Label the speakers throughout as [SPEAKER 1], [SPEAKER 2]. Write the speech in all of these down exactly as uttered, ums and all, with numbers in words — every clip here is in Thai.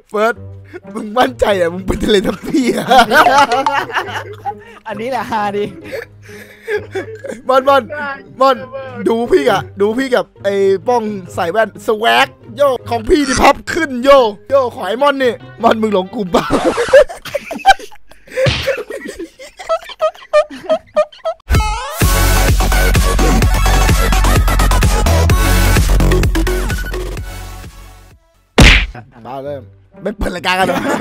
[SPEAKER 1] เฟิร์สมึงมั่นใจอ่ะมึงเป็นทะเลทับพี่อ่ะ
[SPEAKER 2] อันนี้แหละฮาดิ
[SPEAKER 1] มอนมอนมอนดูพี่อ่ะดูพี่กับไอ้ป้องใส่แว่นสแวกโยของพี่ที่พับขึ้นโยโยขอไอ้มอนนี่มอนมึงหลงกลุ่มเปล่ามาเริ่มไม่เปิดรายการกันหรอ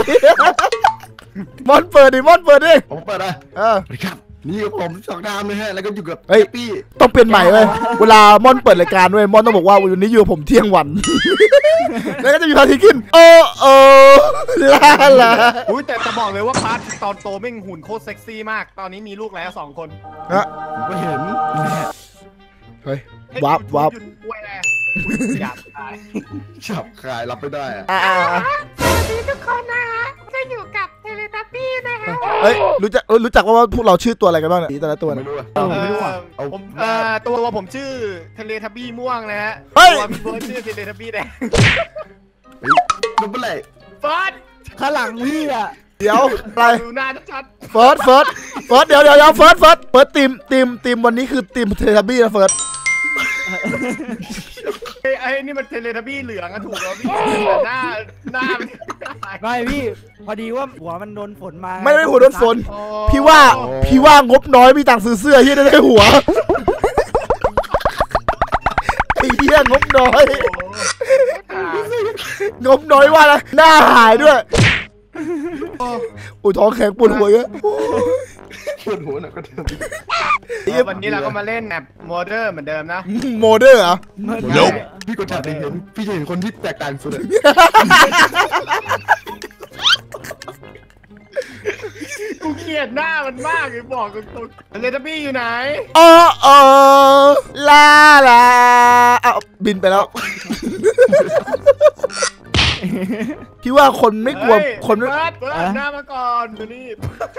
[SPEAKER 1] มอนเปิดดิมอนเปิดดิ
[SPEAKER 3] ผมเปิดอ่ะ
[SPEAKER 1] เออ
[SPEAKER 3] ครับนี่กับผมสองดามเลยฮะแล้วก็อยู่กับ
[SPEAKER 1] พี่ต้องเปลี่ยนใหม่เลยเวลามอนเปิดรายการด้วยมอนต้องบอกว่าวันนี้อยู่ผมเที่ยงวันแล้วก็จะมีพาทีกินโอ้โอ้ลาลา
[SPEAKER 4] อุ้ยแต่จะบอกเลยว่าพาร์ทตอนโตแม่งหุ่นโคตรเซ็กซี่มากตอนนี้มีลูกแล้วสองคน
[SPEAKER 1] นะ
[SPEAKER 3] ผมก็เห็น
[SPEAKER 1] เฮ้ยวับวับ
[SPEAKER 4] หยาบคาย
[SPEAKER 3] หยาบคายรับไม่ได้อะ
[SPEAKER 5] สวัสดีทุกคนนะฮะจะอยู่กับเทเลทับบี้นะฮะ
[SPEAKER 1] เฮ้ยรู้จักรู้จักว่าพวกเราชื่อตัวอะไรกันบ้างเนี่ยแต่ละตัว
[SPEAKER 3] ไม่รู้อ่ะ
[SPEAKER 4] ไม่รู้อ่ะผมเอ่อตัวผมชื่อเทเลทับบี้ม่วงนะฮะตัวพี่เบิร์ดชื่อเทเลทับบี้แดง
[SPEAKER 3] มันเป็นไร
[SPEAKER 4] เฟิร์ส
[SPEAKER 2] ข้างหลังพี่อ่ะ
[SPEAKER 1] เดี๋ยวอะไร
[SPEAKER 4] ดูหน้าชัด
[SPEAKER 1] เฟิร์สเฟิร์สเฟิร์สเดี๋ยวเดี๋ยวเดี๋ยวเฟิร์สเฟิร์สเฟิร์สทีมทีมทีมวันนี้คือทีมเทเลทับบี้นะเฟิร์ส
[SPEAKER 4] ไอ้ไอ้นี่มันเทเลทับบี้เหลืองอะถูกแล้วพี่หน้าหน้า
[SPEAKER 2] ไม่พี่พอดีว่าหัวมันโดนฝนมา
[SPEAKER 1] ไม่ได้หัวโดนฝนพี่ว่าพี่ว่างบน้อยมีตังค์ซื้อเสื้อที่ได้หัวไอ้เหี้ยงบน้อยงบน้อยว่าอะไรหน้าหายด้วยอุ้ยท้องแข็งปวดหัวเยอะ
[SPEAKER 3] ปวดหัวหน่อยก็เดิม
[SPEAKER 4] วันนี้เราก็มาเล่นแบบโมเดอร์เหมือนเดิมนะ
[SPEAKER 1] โมเดอร์เหรอ
[SPEAKER 3] พี่กดแถบเห็นพี่จะเห็นคนที่แตกต่างสุดเลย
[SPEAKER 4] กูเกลียดหน้ามันมากเลยบอกตรงๆเลทับบี้อยู่ไหน
[SPEAKER 1] โอ้โอ้ลาลาเอาบินไปแล้วพี่ว่าคนไม่กลัวคนไม่
[SPEAKER 4] เปิดเปิดหน้ามาก่อนดูนี่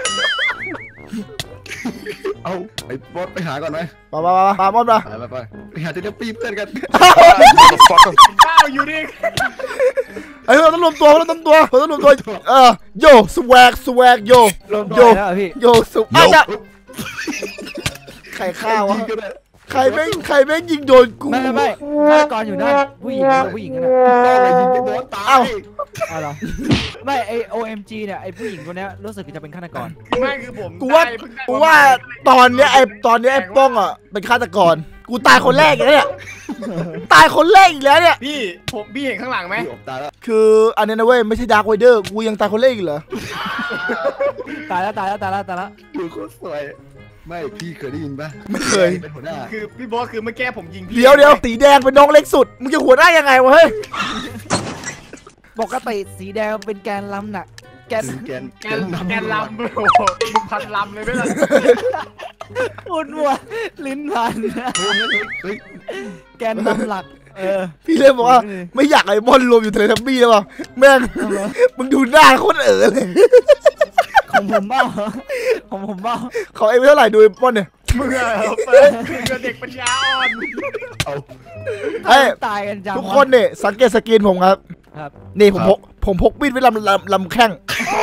[SPEAKER 3] เอาไอ้บอสไปหาก่อนไหม
[SPEAKER 1] ไปไปไปไปบอสไป
[SPEAKER 3] ไปไปไปหาเทเลปี้เพื่อนกัน
[SPEAKER 4] ข้าวอยู่ดิ
[SPEAKER 1] ไอ้เราต้องรวมตัวเราต้องตัวเราต้องรวมตัวเออโยสแวกสแวกโยโยโยสแวกใครฆ่าวะใครไม่ใครไม่ยิงโดนกู
[SPEAKER 2] ไม่ไม่ฆาตกรอยู่นั่นผู้หญิงผู้หญิงกันนะ
[SPEAKER 3] อะไรยิงไปบอสตาย
[SPEAKER 2] อ้าวเหรอไม่ไอ โอ เอ็ม จี เนี่ยไอผู้หญิงคนนี้รู้สึกจะเป็นฆาตกร
[SPEAKER 4] ไม่คือผม
[SPEAKER 1] กูว่ากูว่าตอนเนี้ยไอตอนเนี้ยไอป้องอ่ะเป็นฆาตกรกูตายคนแรกอย่างเนี้ยตายคนแรกอีกแล้วเนี่ย
[SPEAKER 4] พี่ผมพี่เห็นข้างหลังไหม
[SPEAKER 1] คืออันนี้นะเว้ยไม่ใช่ดาร์คไวเดอร์กูยังตายคนแรกอีกเหรอ
[SPEAKER 2] ตายแล้วตายแล้วตายแล้วตายแล้ว
[SPEAKER 3] ดูโคตรสวยไม่พี่เคยได้ยินปะ
[SPEAKER 1] ไม่เคย
[SPEAKER 3] เป็นหัวหน้า
[SPEAKER 4] คือพี่บอสคือเมื่อกี้ผมยิงพี่
[SPEAKER 1] เดี๋ยวเดี๋ยวสีแดงเป็นน้องเล็กสุดมึงจะหัวหน้ายังไงวะเฮ้ย
[SPEAKER 2] ปกติสีแดงเป็นแกนลำหนัก
[SPEAKER 3] แกนแกน
[SPEAKER 4] แกนแกนลำโอ้โหมึงพันลำเลยไม่ล่ะ
[SPEAKER 2] อุ่นวัวลิ้นพันแกนลำหลักเออ
[SPEAKER 1] พี่เลยบอกว่าไม่อยากไอ้บอลรวมอยู่เทเลทับบี้แล้วป่ะแม่งมึงดูหน้าโคตรเอ๋อเลย
[SPEAKER 2] ของผมบ้าของผมบ้า
[SPEAKER 1] เขาเอ็มเท่าไหร่ดูไอ้บอลเนี่ย
[SPEAKER 4] มึงอะเปิดคือเด็กปัญญาอ่อน
[SPEAKER 3] เอา
[SPEAKER 1] เฮ้ย
[SPEAKER 2] ตายกันจัง
[SPEAKER 1] ทุกคนเนี่ยสังเกตสกินผมครับครับนี่ผมพกผมพกมีดไว้ลำลำลำแข้ง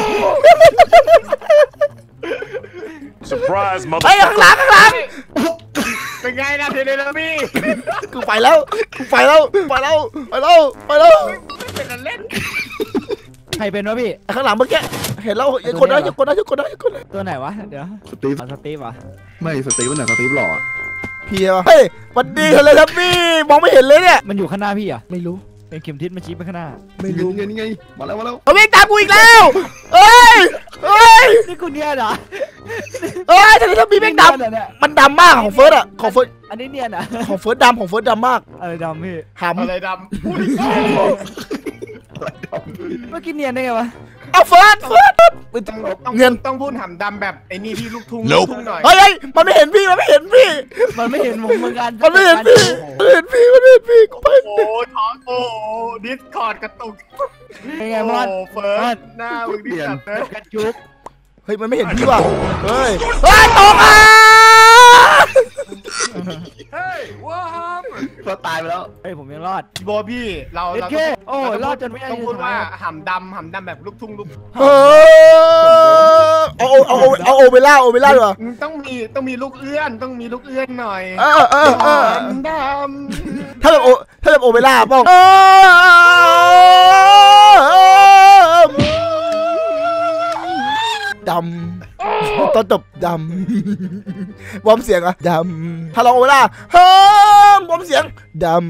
[SPEAKER 1] ไอ้ข้างหลังข้างหลัง
[SPEAKER 4] เป็นไงนะเทเลทับบี้
[SPEAKER 1] กูไปแล้วกูไปแล้วไปแล้วไปแล้วไปแล้ว
[SPEAKER 4] ไม่เป็นเล่น
[SPEAKER 2] ใครเป็นวะพี่
[SPEAKER 1] ข้างหลังเมื่อกี้เห็นแล้วยังคนได้ยังคนได้ยังคนได้ยังคนได้
[SPEAKER 2] ตัวไหนวะเดี๋ยว
[SPEAKER 3] สตีฟ
[SPEAKER 2] สตีฟวะ
[SPEAKER 3] ไม่สตีฟวันไหนสตีฟหล่อ
[SPEAKER 1] พี่วะเฮ้ยวันดีเลยครับพี่มองไม่เห็นเลยเนี่ย
[SPEAKER 2] มันอยู่ข้างหน้าพี่อ่ะไม่รู้เป็นเข็มทิศมันชี้ไปข้างหน้า
[SPEAKER 3] ไม่รู้ไงนี่ไงมาแล้วมาแล้ว
[SPEAKER 1] เอาวิ่งตามกูอีกแล้วเฮ้ยเฮ้ย
[SPEAKER 2] นี่กูเนี่ยเหรอ
[SPEAKER 1] เฮ้ยทำไมถ้ามีแม่งดำมันดำมากของเฟิร์สอ่ะของเฟิร์ส
[SPEAKER 2] อันนี้เนี่ยนะ
[SPEAKER 1] ของเฟิร์สดำของเฟิร์สดำมาก
[SPEAKER 2] อะไรดำพี่
[SPEAKER 1] หำ
[SPEAKER 4] อะไรดำ
[SPEAKER 2] เมื่อกี้เนียนได้ไงวะ
[SPEAKER 1] เอาเฟิร์สเฟิร์ส
[SPEAKER 4] เงินต้องพูดหำดำแบบไอ้นี่พี่ลูกทุ่งลูกทุ่งหน่อย
[SPEAKER 1] เฮ้ยมันไม่เห็นพี่มันไม่เห็นพี่
[SPEAKER 2] มันไม่เห็นผมเหมือนกัน
[SPEAKER 1] มันไม่เห็นพี่มันเห็นพี่มันเห็นพี่
[SPEAKER 4] โอ้โหท้องโอ้ดิสคอร์ดกระตุก
[SPEAKER 2] เป็นไงมอน
[SPEAKER 4] เฟิร์สหน้ามึงดิสัตว์เลย
[SPEAKER 2] กระจุก
[SPEAKER 1] เฮ้ยมันไม่เห็นพี่ว่ะเฮ้ยเฮ้ยตกอ่ะ
[SPEAKER 4] เฮ้ยว้าว
[SPEAKER 3] ก็ตายไปแล้ว
[SPEAKER 2] เฮ้ยผมยังรอด
[SPEAKER 4] พี่โบพี่เรา
[SPEAKER 2] เอ็ด
[SPEAKER 4] เรา
[SPEAKER 2] เคโอ้
[SPEAKER 4] เรา
[SPEAKER 2] รอดจนไม่ได้
[SPEAKER 4] ต้องพูด
[SPEAKER 2] สุด
[SPEAKER 4] ว่า
[SPEAKER 2] ท้าย
[SPEAKER 4] หำดำหำดำแบบลูกทุ่งลูก
[SPEAKER 1] เออเอาเอาเอาเอาโอเปร่าโอเปร่าดีกว่า
[SPEAKER 4] ต้องมีต้องมีลูกเอื้อนต้องมีลูกเอื้อนหน่อย
[SPEAKER 1] เออเออเออ
[SPEAKER 4] หำด
[SPEAKER 1] ถ้าแบบโอถ้าแบบโอเปร่าป้องดำตอนจบดำวอร์มเสียงอะดำถ้าลองโอเปร่าเฮ้ยวอร์มเสียงดำ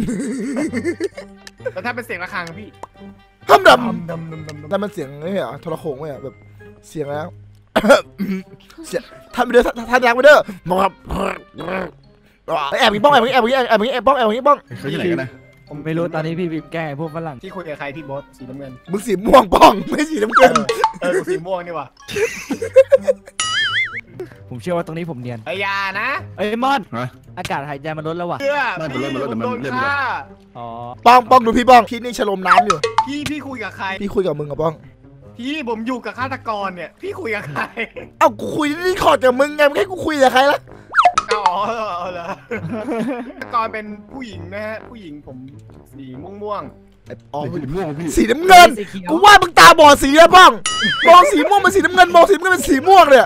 [SPEAKER 4] ำแล้วถ้าเป็นเสียงระฆังพี่
[SPEAKER 1] ห้ามด
[SPEAKER 4] ดำดำดำดำ
[SPEAKER 1] ำนั่นมันเสียงนี่เหรอโทรโขงไหมอะแบบเสียงแล้ว เสียงทำไปเด้อทำยางไปเด้อมาครับแอบงี้ป้องแอบงี้แอบงี้แอบงี้แอบป้องแอบงี้ป้อง
[SPEAKER 3] เขาอยู่ไหนกันนะ
[SPEAKER 2] ผมไม่รู้ตอนนี้พี่บิมแกล้งไอ้พวกฝรั่ง
[SPEAKER 4] ที่คุยกับใครพี่โบสสีน้ำเงิน
[SPEAKER 1] มึงสีม่วงป้องไม่สีน้ำเงิน
[SPEAKER 4] เออกูสีม่วงนี่ว่ะ
[SPEAKER 2] ผมเชื่อว่าตรงนี้ผมเนียน
[SPEAKER 4] ไอ้ยานะ
[SPEAKER 2] เอ้ยมอน
[SPEAKER 3] ฮะ
[SPEAKER 2] อากาศหายใจมันลดแล้วว่ะ
[SPEAKER 4] เพื่อ
[SPEAKER 3] ไม่เป็นไร
[SPEAKER 4] พี่
[SPEAKER 3] มัน
[SPEAKER 4] ผม
[SPEAKER 3] ลด
[SPEAKER 4] โดน
[SPEAKER 3] มันเริ่ม
[SPEAKER 4] ฆ่า
[SPEAKER 2] อ๋อ
[SPEAKER 1] ป้องป้องดูพี่ป้องพี่นี่ฉลมน้ำอยู่
[SPEAKER 4] พี่พี่คุยกับใคร
[SPEAKER 1] พี่คุยกับมึงกับป้อง
[SPEAKER 4] พี่ผมอยู่กับฆาตกรเนี่ยพี่คุยกับใคร
[SPEAKER 1] เอ้ากูคุยนี่ขอจากมึงไงไม่ให้กูคุยกับใครล่ะ
[SPEAKER 4] อ๋อเหรอฆาตกรเป็นผู้หญิงนะฮะผู้หญิงผมสีม่วง
[SPEAKER 1] อ๋อ
[SPEAKER 3] สีม่วงพี่
[SPEAKER 1] สีน้ำเงิน
[SPEAKER 2] สีเขียว
[SPEAKER 1] กูว่ามึงตาบอดสีแล้วป้องมองสีม่วงเป็นสีน้ำเงินมองสีน้ำเงินเป็นสีม่วงเนี่ย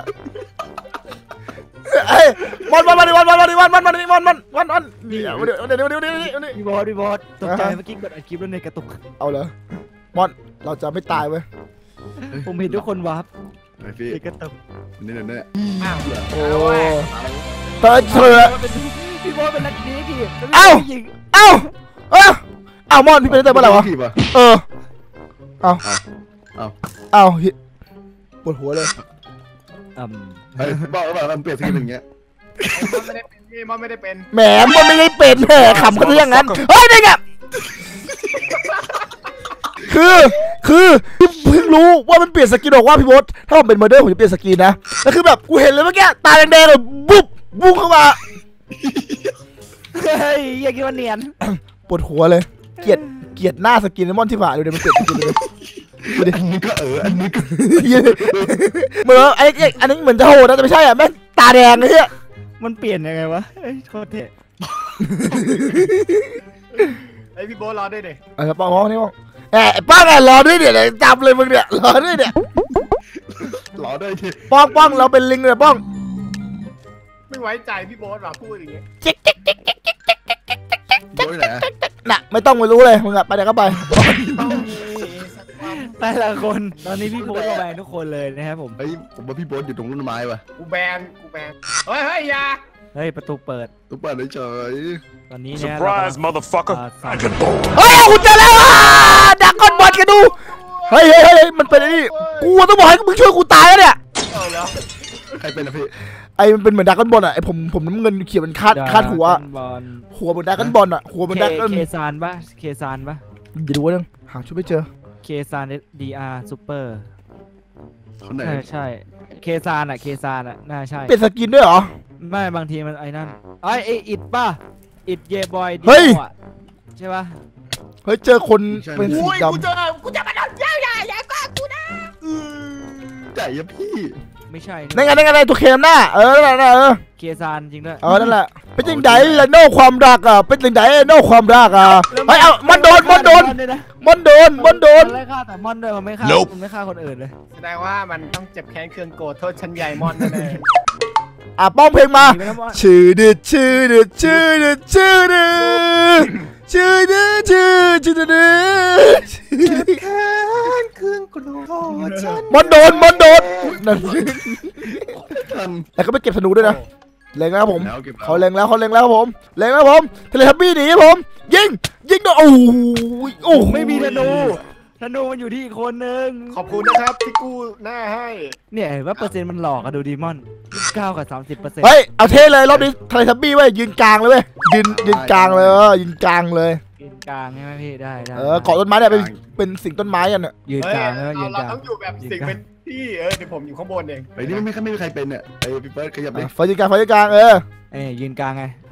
[SPEAKER 1] เอ้ยวันวันวันวันวันวันวันวันวันวันวันวันวันเดี๋ยวเดี๋ยวเดี๋ยวเดี๋ยวเดี๋ยวเดี๋ยว
[SPEAKER 2] พี่บอสพี่บอสตกใจเมื่อกี้กดอัดคลิปแล้วในกระตุก
[SPEAKER 1] เอาเหรอมอนเราจะไม่ตายเว้ย
[SPEAKER 2] ผมเห็นทุกคนวาร์ป
[SPEAKER 3] ไอพี่
[SPEAKER 2] ในกระตุก
[SPEAKER 3] นี่เนี่ยเนี่ย
[SPEAKER 4] ๆอ้าว
[SPEAKER 1] โอ้
[SPEAKER 4] เอาเว้ย
[SPEAKER 1] เธอเธอ
[SPEAKER 2] พี่บอสเป็นนักดีพี่
[SPEAKER 1] เอ้า
[SPEAKER 2] ผู้หญิง
[SPEAKER 1] เอ้าเอ้าเอ้ามอนพี่เป็นตั้งแต่เมื่อไหร่วะ
[SPEAKER 3] พี่ปะ
[SPEAKER 1] เออเอา
[SPEAKER 3] เอา
[SPEAKER 1] เอาปวดหัวเลย
[SPEAKER 2] อืม
[SPEAKER 3] ไอ้บอกแล้วมันเปลี่ยนสกินอย่างเงี้ย
[SPEAKER 4] มันไม่ได้เป็นพี่มันไม่ได้เป็น
[SPEAKER 1] แหมมันไม่ได้เป็นแหมขำเขาซะอย่างนั้นเฮ้ยนี่ไงคือคือเพิ่งรู้ว่ามันเปลี่ยนสกินบอกว่าพี่บดถ้าผมเป็นเมอร์เดอร์ผมจะเปลี่ยนสกินนะแล้วคือแบบกูเห็นเลยเมื่อกี้ตาแดงๆเลยบุ๊บบุ้งเข้ามา
[SPEAKER 2] เฮ้ยอย่าคิดว่าเนียน
[SPEAKER 1] ปวดหัวเลยเกลียดเกลียดหน้าสกินมอนที่ผ่าดูดิมันเปลี่ยนสกินเลยดูดิ
[SPEAKER 3] อันนี้ก็เอออันนี้ก็
[SPEAKER 1] เหมือนไอ้ไอ้อันนี้เหมือนจะโหดนะแต่ไม่ใช่อ่ะแม่งตาแดงเลยเนี่ย
[SPEAKER 2] มันเปลี่ยนยังไงวะเอ้ยโคตรเท่
[SPEAKER 4] ไอพี่โบทรอด้วยดิ
[SPEAKER 1] เออป้องป้องนี่ป้องแอบป้องแอบรอด้วยเนี่ยจับเลยมึงเนี่ยรอด้วยเนี่ย
[SPEAKER 3] หล่อด้วยที
[SPEAKER 1] ป้องป้องเราเป็นลิงเลยป้อง
[SPEAKER 4] ไม่ไว้ใจพี่โบทว่ะพูดอย่างเงี้ย
[SPEAKER 1] จิ๊กจิ๊กจิ๊กจิ๊กจิ๊ก
[SPEAKER 3] โดยไหน
[SPEAKER 1] น่ะไม่ต้องมารู้เลยมึงอะไปไหนก็ไป
[SPEAKER 2] แต่ละคนตอนนี้พี่โบสระแวงทุกคนเลยนะครับผม
[SPEAKER 3] เฮ้ยผมว่าพี่โบ๊ทอยู่ตรงต้นไม้ว่ะ
[SPEAKER 4] กูแบนกูแบนเฮ้ยเฮ้ยอยา
[SPEAKER 2] เฮ้ยประตูเปิด
[SPEAKER 3] ตุ๊กตาเฉย
[SPEAKER 2] ตอนนี้เนี่ย
[SPEAKER 6] Surprise, motherfucker!
[SPEAKER 2] อ่าสาม
[SPEAKER 6] Dragon Bolt.
[SPEAKER 1] เฮ้ยคุณเจอแล้วดักก้อนบอลกันดูเฮ้ยเฮ้ยเฮ้ยมันเป็นไอ้นี่กูต้องบอกให้มึงช่วยกูตายแล้วเนี่ย
[SPEAKER 4] เอาแล้ว
[SPEAKER 3] ใครเป็นอะพี่
[SPEAKER 1] ไอ้มันเป็นเหมือนดักก้อนบอลอะไอ้ผมผมน้ำเงินเขียวมันคาดคาดหัว
[SPEAKER 2] บอล
[SPEAKER 1] หัวเหมือนดักก้อนบอลอะหัวเหมือน
[SPEAKER 2] เค
[SPEAKER 1] ดักก้อน
[SPEAKER 2] เคซานปะเคซานปะ
[SPEAKER 1] อย่าดูนึงหาชุดไม่เจอ
[SPEAKER 2] เคซานดีอาร์ซูเปอร์
[SPEAKER 3] คนไหน
[SPEAKER 2] ใช่ใช่เคซานอะเคซานอะน่าใช่
[SPEAKER 1] เปลี่ยนสกินด้วยเหรอ
[SPEAKER 2] ไม่บางทีมันไอ้นั่นไอ้ไออิดป่ะอิดเยบอยดี
[SPEAKER 1] เฮ้ย
[SPEAKER 2] ใช่ปะ
[SPEAKER 1] เฮ้ยเจอคนเป็นสี
[SPEAKER 4] อุ้ย
[SPEAKER 1] ด
[SPEAKER 4] กูเจอกูจะมาโดนเจ้าอย่าอย่าก็กูนะ
[SPEAKER 3] ใจอะพี่
[SPEAKER 2] ไม่ใช่
[SPEAKER 1] ำนั่นไงนั่นไงตัวเคมหน้าเออนั่นแหละเออ
[SPEAKER 2] เคซานจริงด้วย
[SPEAKER 1] เออนั่นแหละเป็นยังไงล่ะโน่ความรักอ่ะเป็นยังไงโน่ความรักอ่ะเฮ้ยเอามันโดนมันโดน
[SPEAKER 2] ด้วยนะ
[SPEAKER 1] มันโดนมันโดน
[SPEAKER 2] มันไล่ฆ่าแต่มอนด้วยมันไม่ฆ่า
[SPEAKER 6] Nope
[SPEAKER 2] มันไม่ฆ่าคนอื่นเลย
[SPEAKER 4] แสดงว่ามันต้องเจ็บแค้นเคืองโกรธโทษชั้นใหญ่มอนแน่
[SPEAKER 1] อ่ะป้องเพลงมา
[SPEAKER 2] หนีไปแล้วมอน
[SPEAKER 1] ชื่อดืดชื่อดืดชื่อดืดชื่อดืดชื่อดืดชื่อชื่อดืด
[SPEAKER 4] ๆแค้นเคืองโกรธฉัน
[SPEAKER 1] มันโดนมันโดนนั่น
[SPEAKER 3] ทัน
[SPEAKER 1] แต่ก็ไม่เก็บธนูด้วยนะเล็งแล้วครับผม
[SPEAKER 3] แล้วเก็บ
[SPEAKER 1] เขาเล็งแล้วเขาเล็งแล้วครับผมเล็งแล้วครับผมเทเลทับบี้หนีครับผมยิงยิงโดนโอ้โหโอ้โห
[SPEAKER 2] ไม่มีธนูธนูมันอยู่ที่อีกคนนึง
[SPEAKER 4] ขอบคุณนะครับที่กู้หน้าให้
[SPEAKER 2] เนี่ยเห็นว่าเปอร์เซ็นต์มันหลอกอะดูดีมอนเก้ากับสามสิบเปอร์เซ็นต์
[SPEAKER 1] เฮ้ยเอาเท่เลยรอบนี้เทเลทับบี้เว้ยยืนกลางเลยเว้ยยืนยืนกลางเลยเออยืนกลางเลย
[SPEAKER 2] ยืนกลางใช่ไหมพี่ได้ได้
[SPEAKER 1] เออเกาะต้นไม้เนี่ยเป็นเป็นสิ่งต้นไม้กันเนี่ย
[SPEAKER 2] ยืน
[SPEAKER 4] เฮ้ย
[SPEAKER 2] กลางแล้วยื
[SPEAKER 4] เรา
[SPEAKER 2] น
[SPEAKER 4] เรา
[SPEAKER 2] กลาง
[SPEAKER 4] ต้องอยู่แบบสิ่งเป็นที่เออเดี๋ยวผมอยู่ข้างบนเอง
[SPEAKER 3] ไอ้นี่ไม่ไม่ไม่มีใครเป็นเนี่ยไอ้พี่เฟิร์สขยับดิ
[SPEAKER 1] ไฟยืนกลางไฟยืนกลางเออ
[SPEAKER 2] เอ้ยยืนกลางไง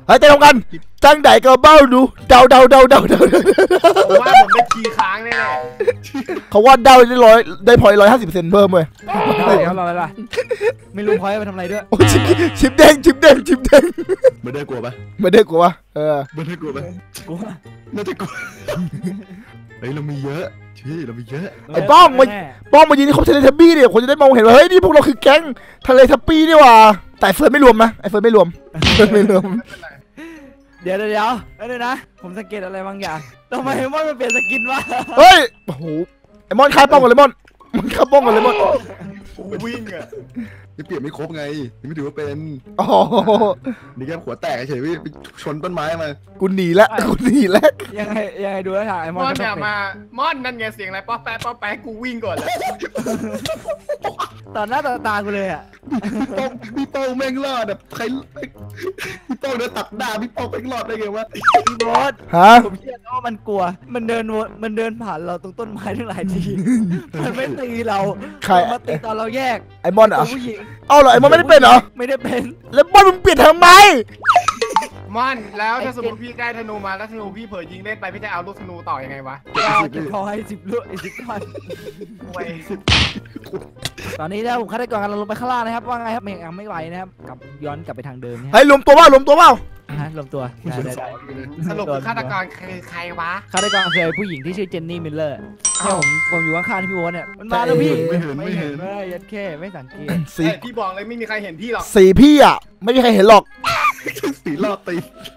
[SPEAKER 1] เฮ้ยเต้นพร้อมกันจังไดก็เบ้าดูเดาเดาเดาเดาเดา
[SPEAKER 4] ผมว่าผมได้คีย์ค้างแน่
[SPEAKER 1] เขาว่าเดาได้ร้อยได้พอยร้อยห้าสิบเปอร์เซ็นต์เพิ่มเลย
[SPEAKER 2] เดี๋ยวรออะไรล่ะไม่รู้พอยไปทำอะไรด้วย
[SPEAKER 1] โอ้ชิปชิปแดงชิปแดงชิปแดง
[SPEAKER 3] ไม่ได้กลัวปะ
[SPEAKER 1] ไม่ได้กลัววะเออ
[SPEAKER 3] ไม่ได้กลัวปะ
[SPEAKER 2] กู
[SPEAKER 3] น่าจะกลัวเฮ้ยเรามีเยอะชี้เรามีเยอะ
[SPEAKER 1] ไอ้ป้องมาป้องมายืนที่ครบทะเลทับบี้เนี่ยคนจะได้มองเห็นว่าเฮ้ยนี่พวกเราคือแก๊งทะเลทับบี้นี่หว่าแต่เฟิร์นไม่รวมนะไอ้เฟิร์นไม่รวมเฟิร์นไม่รวม
[SPEAKER 2] เดี๋ยวเดี๋ยวเดี๋ยวเดี๋ยวนะผมสังเกตอะไรบางอย่างทำไมมอนมันเปลี่ยนสกินวะ
[SPEAKER 1] เฮ้ยโอ้โหไอ้มอนคายป้องก่อนเลยมอนมันคายป้องก่อนเลยมอน
[SPEAKER 4] ๆผมวิ่งอะ
[SPEAKER 3] ยังเปลี่ยนไม่ครบไงยังไม่ถือว่าเป็น
[SPEAKER 1] อ๋อ
[SPEAKER 3] นี่แค่หัวแตกเฉยพี่ไปชนต้นไม้มา
[SPEAKER 1] กูหนีแล้วกูหนีแล้ว
[SPEAKER 2] ยังไงยังไงดูแล้วถ่ายม
[SPEAKER 4] ม
[SPEAKER 2] อน
[SPEAKER 4] อน
[SPEAKER 2] ก็ต้
[SPEAKER 4] เนี่
[SPEAKER 2] อย งเป็น
[SPEAKER 4] มามอนนั่นไงเสียงอะไรป๊อปแป๊ะป๊อปแป๊ะกูวิ่งก่อนเลย
[SPEAKER 2] ต่อหน้าต่อตากูเลยอ่ะ
[SPEAKER 3] พี่โป้งพี่โป้งแม่งรอดแบบใครพี่โป้งเดินตัดหน้าพี่โป้งแม่งรอดได้ไงวะ
[SPEAKER 2] พี่บอส
[SPEAKER 1] ฮะ
[SPEAKER 2] ผมเชื่อนะว่ามันกลัว มันเดินวนมันเดินผ่านเราตรงต้นไม้ทั้งหลายที มันไม่ตีเรา
[SPEAKER 1] ใคร
[SPEAKER 2] มันมาตีตอนเราแยก
[SPEAKER 1] ไอ้มอนเหร
[SPEAKER 2] ตั
[SPEAKER 1] อ่ะ
[SPEAKER 2] วผู้หญิง
[SPEAKER 1] เอาเหรอไอ้มอนไม่ได้เป็นเหรอ
[SPEAKER 2] ไม่ได้เป็น
[SPEAKER 1] แล้วมอนมึงเปลี่ยนทำไม
[SPEAKER 4] มอนแล้วถ้าสมมติพี่ได้ธนูมาแล้วธนูพี่เผยยิงเล่นไปพี่จะเอาลูกธนูต่อยังไงวะ
[SPEAKER 2] ก็เก็บพอให้สิบลูกไอ้สิบก้อน
[SPEAKER 4] เว้ย
[SPEAKER 2] ตอนนี้นะผมคาดการณ์กันเราลงไปข้างล่างนะครับว่าไงครับยังไม่ไหวนะครับกลับย้อนกลับไปทางเดิมนะ
[SPEAKER 1] เฮ้ยรวมตัวเปล่ารวมตัวเปล่า
[SPEAKER 2] ฮะรวมตัวได้ได้ได้
[SPEAKER 4] สรุปคือฆาตกรคือใครวะ
[SPEAKER 2] ฆาตกรคือผู้หญิงที่ชื่อเจนนี่มิลเลอร์เนี่ยผมผมอยู่ข้างๆที่พี่โบ๊ทเนี่ยมันมาแล้วพี่
[SPEAKER 3] ไม่เห็นไม่เห็น
[SPEAKER 2] ไม่ยัดแค่ไม่สังเกต
[SPEAKER 1] สี
[SPEAKER 4] เอ้ยพี่บอกเลยไม่มีใครเห็นพี่หรอก
[SPEAKER 1] สีพี่อ่ะไม่มีใครเห็นหรอก
[SPEAKER 3] สีรอดตี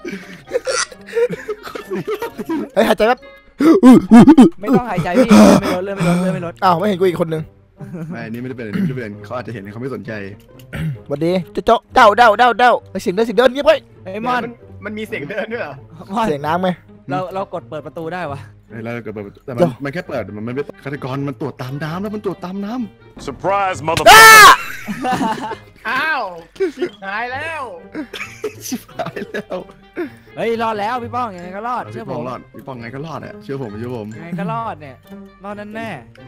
[SPEAKER 1] เฮ้ยหายใจแป๊บ
[SPEAKER 2] ไม่ต้องหายใจพี่ไม่ลดเลยไม่ลดเลยไม่ลด
[SPEAKER 1] อ้าวไม่เห็นกูอีกคนนึง
[SPEAKER 3] ไม่อันนี้ไม่ได้เป็นอันนี้ไม่ได้เป็นเขาอาจจะเห็นเขาไม่สนใจ
[SPEAKER 1] สวัสดีเจ้าเจ้าเดาเดาเดาเดาเสียงเดินเสียงเดินเงียบไว้
[SPEAKER 2] ไอ้มอน
[SPEAKER 4] มันมันมีเสียงเดินด้วยเหรอ
[SPEAKER 2] มอน
[SPEAKER 1] เสียงน้ำไหม
[SPEAKER 2] เราเรากดเปิดประตูได้วะ
[SPEAKER 3] แล้วก็แบบแต่มัน
[SPEAKER 1] เดี๋ยว
[SPEAKER 3] มันแค่เปิดมันไม่เป็นฆาตกรมันตรวจตามน้ำแล้วมันตรวจตามน้
[SPEAKER 6] Surprise,
[SPEAKER 1] อ้า
[SPEAKER 6] motherfucker!
[SPEAKER 4] อ้าวชิบหายแล้ว
[SPEAKER 3] ำชิบหายแล้ว
[SPEAKER 2] เฮ้ยรอดแล้วพี่ป้องยังไงก็รอดเชื่อ
[SPEAKER 3] พี่
[SPEAKER 2] ผ
[SPEAKER 3] ปอง
[SPEAKER 2] ม
[SPEAKER 3] รอดพี่ปองไงก็รอดอ่ะเชื่อผมเชื่อผม
[SPEAKER 2] ยังไงก็รอดเนี่ยรอดแน่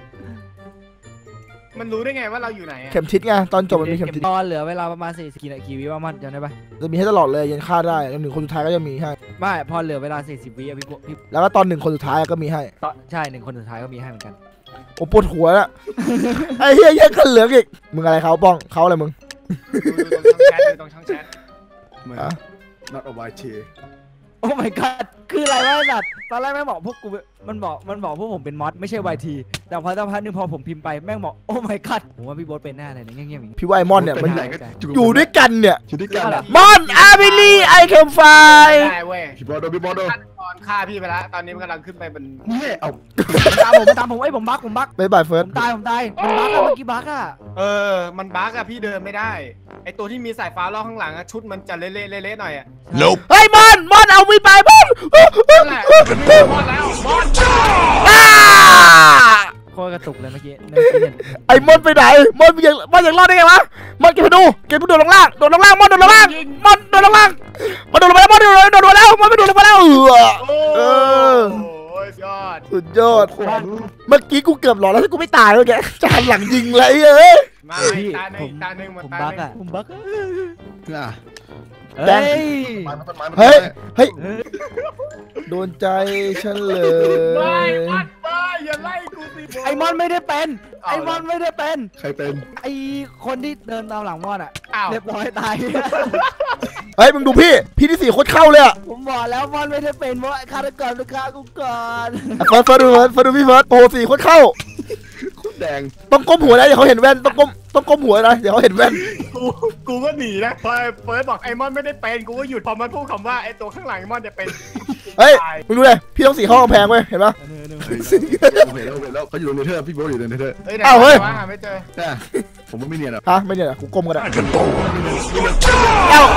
[SPEAKER 4] มันรู้ได้ไงว่าเราอยู่ไหนอะ
[SPEAKER 1] เข็มทิศไงตอนจบมันมี
[SPEAKER 2] ๆ
[SPEAKER 1] เข็ม
[SPEAKER 2] เก็บ
[SPEAKER 1] ทิศ
[SPEAKER 2] ตอนเหลือเวลาประมาณสี่สิบนาทีวิว่ามันจำได้ปะ
[SPEAKER 1] จะมีให้ตลอดเลยยันฆ่าได้จนถึงคนสุดท้ายก็จะมีให้
[SPEAKER 2] ไม่พอเหลือเวลาสี่สิบวิอะพี่พี่
[SPEAKER 1] แล้วก็ตอนหนึ่งคนสุดท้ายก็มีให้
[SPEAKER 2] ตอนใช่หนึ่งคนสุดท้ายก็มีให้เหมือนกัน
[SPEAKER 1] โอ้ปวดหัวแล้วไอ้เหี้ยแย่งกันเหลืองอีกมึงอะไรเขาป้องเขาอะไรมึง
[SPEAKER 4] ดูตรงช่องแชทดูตรงช่องแชท
[SPEAKER 3] เหมือน
[SPEAKER 1] อ่ะ
[SPEAKER 3] not a white tea
[SPEAKER 2] โอ้ my god คืออะไรวะนัดตอนแรกแม่งบอกพวกกูมันบอกมันบอกพวกผมเป็นมอสไม่ใช่ วาย ที แต่พอสักพักนึงพอผมพิมพ์ไปแม่งบอกโอ้ my god ผมว่าพี่โบ๊ทเป็นแน่เลยเนี่ยเงียบๆอย่างนี้
[SPEAKER 1] พี่ว่าไอมอนเนี่ยมัน
[SPEAKER 3] ไหนก็
[SPEAKER 1] อยู่ด้วยกันเนี่ย
[SPEAKER 3] อยู่ด้วยกันอะ
[SPEAKER 1] มอนอาบิลีไอเคมไฟ
[SPEAKER 4] ได้เว้ย
[SPEAKER 3] พี่บอลโดนพี่บอลโดน
[SPEAKER 4] ฆาตกรฆ่าพี่ไปแล้วตอนนี้มันกำลังขึ้นไปบน
[SPEAKER 3] นี่เอา
[SPEAKER 2] ตามผมตามผมไอ้ยผมบักผมบัก
[SPEAKER 1] บายบายเฟิร์
[SPEAKER 2] ผ
[SPEAKER 1] ส
[SPEAKER 2] มตายผมตายมันบักอะเมื่อกี้บักอะ
[SPEAKER 4] เออมันบั๊กอะพี่เดินไม่ได้ไอตัวที่มีสายฟ้าล่อข้างหลังอะชุดมันจะเละๆเละๆหน่อยอะ
[SPEAKER 6] Nope.
[SPEAKER 1] เฮ้ยมอนมอนเอามีไปมอน
[SPEAKER 4] นั่นแหละมีมอนแล้วมอน
[SPEAKER 1] อ้า
[SPEAKER 2] โคตรกระตุกเลยเมื่อกี้เมื่อกี้เนี่ย
[SPEAKER 1] ไอ้มอนไปไหนมอนยังมอนยังรอดได้ไงวะมอนเก็บไปดูเก็บไปโดดลงล่างโดดลงล่างมอนโดดลงล่างมอนโดดลงล่างมอนโดดลงไปแล้วมอนโดดลงโดดลงแล้วมอนไม่โดดลงไปแล้วเออ
[SPEAKER 4] โอ้
[SPEAKER 1] เออ
[SPEAKER 4] โอ้ยยอด
[SPEAKER 1] สุดยอดเมื่อกี้กูเกือบหลอนแล้วถ้ากูไม่ตายเลยแกจะหันหลังยิงเลยเอ้ย
[SPEAKER 4] มา
[SPEAKER 2] พี่
[SPEAKER 4] อีกตาหนึ่
[SPEAKER 2] ผ
[SPEAKER 4] ง
[SPEAKER 2] ม
[SPEAKER 4] ตาหนึ่งหมด
[SPEAKER 2] ผม
[SPEAKER 4] ตา
[SPEAKER 2] บัก
[SPEAKER 4] หนึ่
[SPEAKER 2] อะ
[SPEAKER 4] ง
[SPEAKER 2] ผมบักอะ
[SPEAKER 3] อ่ะ
[SPEAKER 2] เฮ้ย
[SPEAKER 3] ไม้มันต้นไม้มัน
[SPEAKER 1] เฮ้ยเฮ้ย
[SPEAKER 2] เฮ้ย
[SPEAKER 1] โดนใจฉันเล
[SPEAKER 4] ไม่
[SPEAKER 1] ย
[SPEAKER 4] มอนไม่อย่าไล่กูสิ
[SPEAKER 2] ไอ้มอนไม่ได้เป็นไอ้มอนไม่ได้เป็น
[SPEAKER 3] ใครเป็น
[SPEAKER 2] ไอ้คนที่เดินตามหลังมอนอะ
[SPEAKER 4] อ้าว
[SPEAKER 2] เรียบร้อยตาย
[SPEAKER 1] เฮ้ยมึงดูพี่พี่ที่สี่โคตรเข้าเลยอะ
[SPEAKER 2] ผมบอกแล้วมอนไม่ได้เป็นเพราะฆาตกรลูกค้ากูก่อน
[SPEAKER 1] เฟิร์สเฟิร์สดูเฟิร์สเฟิร์สดูพี่เฟิร์สโอ้โหสี่โคตรเข้า
[SPEAKER 3] แดง
[SPEAKER 1] ต้องก้มหัวนะเดี๋ยวเขาเห็นแว่นต้องก้มต้องก้มหัวนะเดี๋ยวเขาเห็นแว่น
[SPEAKER 4] กูกูก็หนีนะพอเฟิร์สบอกไอ้มอนไม่ได้เป็นกูก็หยุดพอมันพูดคำว่าไอ้ตัวข้างหลังไอ้มอนจะเป็น
[SPEAKER 1] เฮ้ยมึงดูเลยพี่ต้องสี่เข้ากำแพงเว้ยเห็นปะ
[SPEAKER 3] เห็นแล้วเห็นแล้วเขาอยู่ตรงเนเธอร์พี่บอลอยู่ตรงเนเธอร์
[SPEAKER 4] เฮ้ยไหน
[SPEAKER 1] อ้าวเฮ้ย
[SPEAKER 4] วะหาไม่เจอ
[SPEAKER 3] ใช่ผมว่าไม่เนียนหรอก
[SPEAKER 1] ฮะไม่เนี่ยกูก้มก็ได้
[SPEAKER 6] I can bowl.
[SPEAKER 1] เอ้า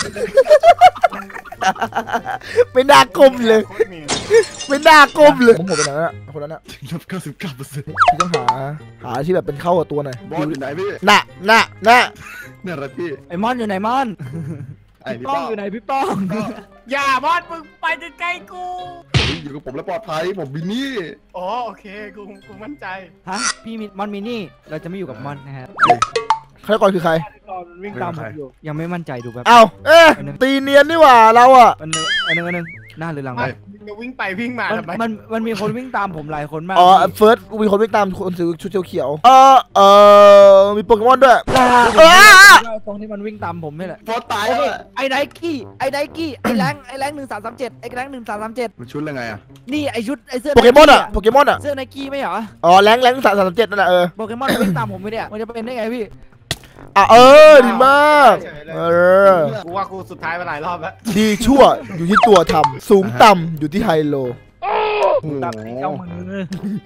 [SPEAKER 1] ไม่น่าก้มเลย
[SPEAKER 4] โคตรหนี
[SPEAKER 1] ไม่น่าก้มเลยผมหัวไปไหนน่ะคนนั้นน่ะ
[SPEAKER 3] ลบเก้าสิบเก้าเปอร์เซ็นต์
[SPEAKER 1] พี่ต้องหาหาที่แบบเป็นเข้ากับตัวหน่อย
[SPEAKER 3] บอลอยู่ไหนพี่
[SPEAKER 1] น่ะน่ะน่ะ
[SPEAKER 3] เนี่ยอะไรพี่
[SPEAKER 2] ไอ้มอนอยู่ไหนมอน
[SPEAKER 3] ไอ้พี่
[SPEAKER 2] ป้
[SPEAKER 3] ป้
[SPEAKER 2] อ
[SPEAKER 3] อง ง
[SPEAKER 2] อยู่ไหนพี่ป้อง
[SPEAKER 4] อย่ามอนมึงไปใกล้ๆกู
[SPEAKER 3] อยู่กับผมแล้วปลอดภัยผมบินนี่
[SPEAKER 4] อ๋อโอเคกูกูมั่นใจ
[SPEAKER 2] ฮะพี่มิมอนมินี่เราจะไม่อยู่กับมอนนะฮะ
[SPEAKER 1] ฆาตกรคือใคร
[SPEAKER 2] วิ่งตามผมอยู่ยังไม่มั่นใจดูแบบ
[SPEAKER 1] เอ้าเอ๊ะตีเนียนนี่หว่าเราอะ
[SPEAKER 2] อันนึงอันนึงอันนึงหน้าหรือหลัง
[SPEAKER 4] ไม่จะวิ่งไปวิ่งมาทำไม
[SPEAKER 2] มันมันมีคนวิ่งตามผมหลายคนมาก
[SPEAKER 1] อ๋อเฟิร์สมีคนวิ่งตามคนถือชุดเขียวๆเออเออมีโปเกมอนด้วยเออ
[SPEAKER 2] ตรงที่มันวิ่งตามผมนี่แหละ
[SPEAKER 3] พอตาย
[SPEAKER 2] ไอ้
[SPEAKER 3] แล้ว
[SPEAKER 2] ไอ้ไนกี้ไอ้ไนกี้ไอ้แรงไอ้แรงหนึ่งสามสามเจ็ดไอ้แรงหนึ่งสามสามเจ็ด
[SPEAKER 3] มันชุดอะไรไงอ่ะ
[SPEAKER 2] นี่ไอ้ชุดไอ้เสื้อ
[SPEAKER 1] โปเกมอนอะโปเกมอนอะ
[SPEAKER 2] เสื้อไนกี้ไม่เหรอ
[SPEAKER 1] อ๋อแรงแรงสามสามเจ็ดนั่นแหละเออ
[SPEAKER 2] โปเกมอนวิ่งตามผมไปเนี่ยมันจะเป็นได้ไงพี่
[SPEAKER 1] อ่ะเออดีมากเออ
[SPEAKER 4] กูว่ากูสุดท้ายมาหลายรอบแล้ว
[SPEAKER 1] ดีชั่วอยู่ที่ตัวทำสูงต่ำอยู่ที่ไฮโล
[SPEAKER 2] ตามเจ้ามือ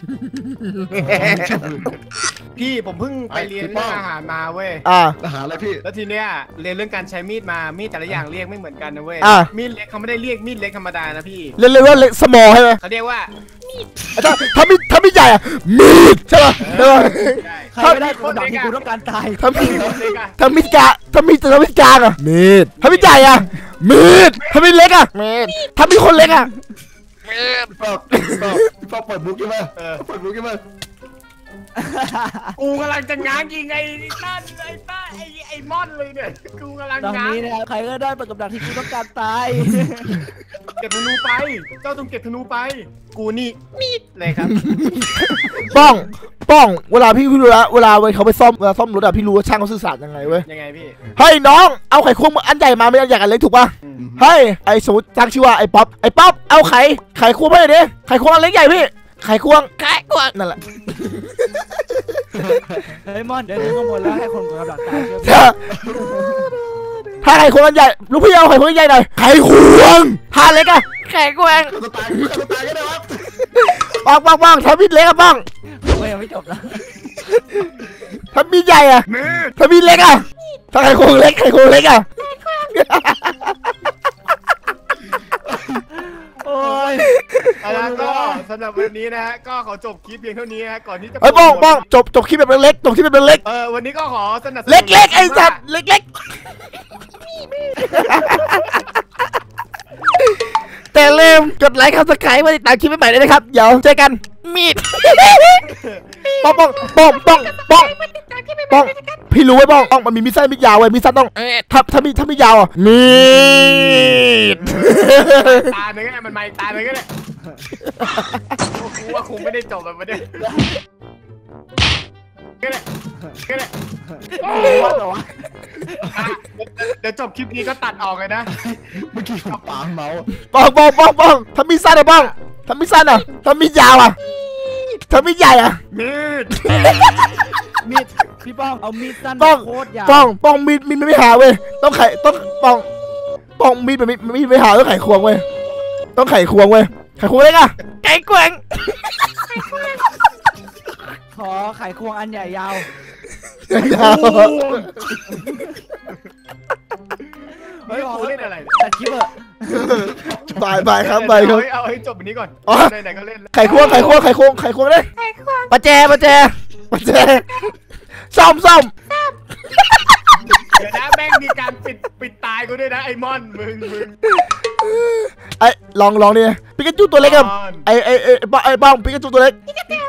[SPEAKER 4] พี่ผมเพิ่งไปเรียนเรื่องอาหารมาเว้ย
[SPEAKER 1] อ่ะ
[SPEAKER 3] อาหารอะไรพี่
[SPEAKER 4] แล้วทีเนี้ยเรียนเรื่องการใช้มีดมา มีดแต่ละอย่างเรียกไม่เหมือนกันนะเว้ย
[SPEAKER 1] อ่ะ
[SPEAKER 4] มีดเล็กเขาไม่ได้เรียกมีดเล็กธรรมดานะพี่
[SPEAKER 1] เรียกเรียกว่าเล็กสมอใช่ไหม
[SPEAKER 4] เขาเรียกว่า
[SPEAKER 1] อาจารย์ถ้ามีถ้ามีใหญ่อะมีดใช่ป่ะใช่ป่ะ
[SPEAKER 2] ใครไม่ได้คนดักที่กูต้องการตาย
[SPEAKER 1] ถ้ามี
[SPEAKER 4] เล็กอะ
[SPEAKER 1] ถ้ามีกะถ้ามีถ้ามีกลางอะมีดถ้ามีใหญ่อะมีดถ้ามีเล็กอะมีดถ้ามีคนเล็กอะ
[SPEAKER 3] พี่ป้องพี่ป้องพี่ป้องเปิดบุ๊กใช่ไหม
[SPEAKER 4] เออ
[SPEAKER 3] เปิดบุ๊กใช่ไหม
[SPEAKER 4] กูกำลังจะง้างยิงไอ้นั่นไอ้ต้าไอ้ไอ้มอนเลยเนี่ย กูกำลัง
[SPEAKER 2] ตอน
[SPEAKER 4] ง้าง
[SPEAKER 2] นี้นะครับใครก็ได้เปิดกับดักที่กูต้องการตาย
[SPEAKER 4] เก็บธนูไป เจ้าต้องเก็บธนูไป กูนี่มีดเลยครับ
[SPEAKER 1] ป้องป้องเวลาพี่พี่รู้แล้วเวลาเขาไปซ่อมเวลาซ่อมรถอะพี่รู้ว่าช่างเขาสื่อสารยังไงเว้ย
[SPEAKER 4] ยังไงพี่
[SPEAKER 1] เฮ้ยน้องเอาไข่ควงอันใหญ่มาไม่อันใหญ่กันเล็กถูกป่ะเฮ้ยไอ้สมมติตั้งชื่อว่าไอ้ป๊อปไอ้ป๊อปเอาไข่ไข่ควงไปเลยดิไข่ควงอันเล็กใหญ่พี่ไข่ควงไข่ควงนั่นแหละ
[SPEAKER 2] เฮ้ยมอนเดี๋ยวถึงข้างบนแล้วให้คนกับดักตายเชื่อ
[SPEAKER 1] ถ้าถ้าไข่ควงอันใหญ่ลูกพี่เอาไข่ควงอันใหญ่หน่อยไข่ควงถ้าเล็กอะไข่ควง
[SPEAKER 3] จะตายจะตายก็ได้ครับ
[SPEAKER 1] ป้องป้องป้องถ้ามีเล็กอะป้อง
[SPEAKER 2] กูยังไม่จบนะ
[SPEAKER 1] ถ้ามีใหญ่อะ
[SPEAKER 4] มืด
[SPEAKER 1] ถ้ามีเล็กอะถ้าไข่ควงเล็กไข่ควงเล็กอะ
[SPEAKER 2] โอ้ย
[SPEAKER 4] แล้วก็สำหรับวันนี้นะฮะ ก็ขอจบคลิปเพียงเท่านี้นะฮะ ก่อนที่จะ
[SPEAKER 1] ไอ้ยป้องป้องจบจบคลิปแบบเล็กจบคลิปแบบเล็ก
[SPEAKER 4] เออ วันนี้ก็ขอสนับสนุน
[SPEAKER 1] เล็กเล็กไอ้สัตว์เล็กเล็กแต่เริ่มกดไลค์ครับสกายมาติดตามคลิปใหม่ๆเลยนะครับเดี๋ยวเจอกันมีดป้องป้องป้องป้องป้องป้องพี่รู้ไว้ป้องป้องมันมีมีดสั้นมีดยาวไว้มีดสั้นต้องถ้าถ้ามีถ้ามียาวอ่ะมีด
[SPEAKER 4] ตาหนึ่งก็ได้มันมาอีกตาหนึ่งก็ได้กูว่าคงไม่ได้จบแบบนี้ก็ได้ก็ได้
[SPEAKER 2] ว่าเหรอวะ
[SPEAKER 4] อ่ะเดี๋ยวจบคลิปนี้ก็ตัดออกเลยนะ
[SPEAKER 3] เมื่อกี้ผมปาเมาส์
[SPEAKER 1] ป้องป้องป้องป้องถ้ามีดสั้นอ่ะป้องถ้ามีดสั้นอ่ะถ้ามีดยาวอ่ะถ้ามีดใหญ่อ่ะ
[SPEAKER 4] มีด
[SPEAKER 2] มีดพี่ป้องเอามีดสั้น
[SPEAKER 1] ป้อง
[SPEAKER 2] โคตรยาว
[SPEAKER 1] ป้องป้องมีดมีดไม่หาเว้ยต้องไขต้องป้องป้องมีดมันมีมีดไม่หาต้องไขควงเว้ยต้องไขควงเว้ยไขควงเล็กอ่ะไขควง
[SPEAKER 2] ขอไขควงอันใหญ่ยาว
[SPEAKER 1] ยาว
[SPEAKER 4] เฮ้ยกูเล่นอะไรเนี่ย
[SPEAKER 2] ตัดคลิปเถอะ
[SPEAKER 1] บายบายครับบายครับ
[SPEAKER 4] เอาให้เอาให้จบอันนี้ก่อน
[SPEAKER 1] อ๋อ
[SPEAKER 4] ไหนๆก็เล่นแล้ว
[SPEAKER 1] ไขควงไขควงไขควงไขควงเลย
[SPEAKER 5] ไข่ควง
[SPEAKER 1] ประแจประแจประแจซ่อมซ่อม
[SPEAKER 4] เดี๋ยวนะแม่งมีการปิดปิดตายกูด้วยนะไอ้มอนมึงมึง
[SPEAKER 1] ไอ้ลองลองดิปิกาจูตัวเล็กครับ
[SPEAKER 4] มอน
[SPEAKER 1] ไอ้ไอ้ไอ้ไอ้บ้องปิกาจูตัวเล็ก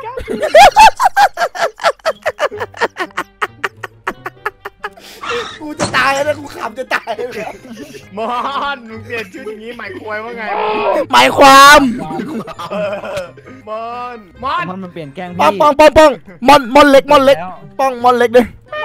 [SPEAKER 1] กูจะตายแล้วกูขำจะตาย
[SPEAKER 4] มอนมึงเปลี่ยนชื่ออย่างนี้หมายควายว่าไง
[SPEAKER 1] หมายความ
[SPEAKER 4] เออมอนมอน
[SPEAKER 2] มันมันเปลี่ยนแกล้ง
[SPEAKER 1] ป้อง
[SPEAKER 2] พี่
[SPEAKER 1] ป้องป้องป้องมอนมอนเล็กมอนเล็ก
[SPEAKER 2] แล้ว
[SPEAKER 1] ป้องมอนเล็กดิ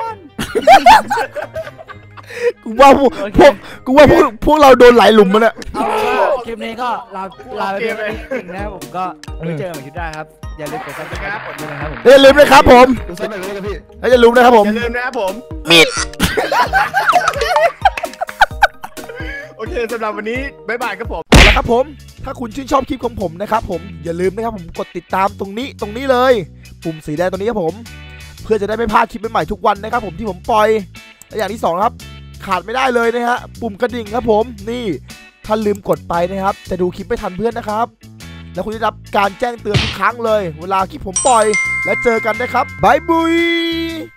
[SPEAKER 1] กูว่าพวกพวกกูว่าพวกพวกเราโดนหลายหลุมมันอะ
[SPEAKER 2] เอาเป็นว่าคลิปนี้ก็ลาลาไปด้วยนะครับผมก็ไว้เจอกันใหม่คลิปหน้าครับอย่าลืมกดซับสไครต์กดด้วยนะครับผม
[SPEAKER 1] อย่าลืมนะครับผม
[SPEAKER 3] ดูซ้ำหน่อยเลยครับพี่
[SPEAKER 1] แล้วอย่าลืมนะครับผม
[SPEAKER 4] อย่าลืมนะครับผม
[SPEAKER 1] มีด
[SPEAKER 4] โอเคสำหรับวันนี้บ๊ายบายครับผม
[SPEAKER 1] เอาละครับผมถ้าคุณชื่นชอบคลิปของผมนะครับผมอย่าลืมนะครับผมกดติดตามตรงนี้ตรงนี้เลยปุ่มสีแดงตรงนี้ครับผมเพื่อจะได้ไม่พลาดคลิปใหม่ๆทุกวันนะครับผมที่ผมปล่อยและอย่างที่สองครับขาดไม่ได้เลยนะฮะปุ่มกระดิ่งครับผมนี่ถ้าลืมกดไปนะครับจะดูคลิปไม่ทันเพื่อนนะครับแล้วคุณจะได้รับการแจ้งเตือนทุกครั้งเลยเวลาคลิปผมปล่อยและเจอกันนะครับบายบุย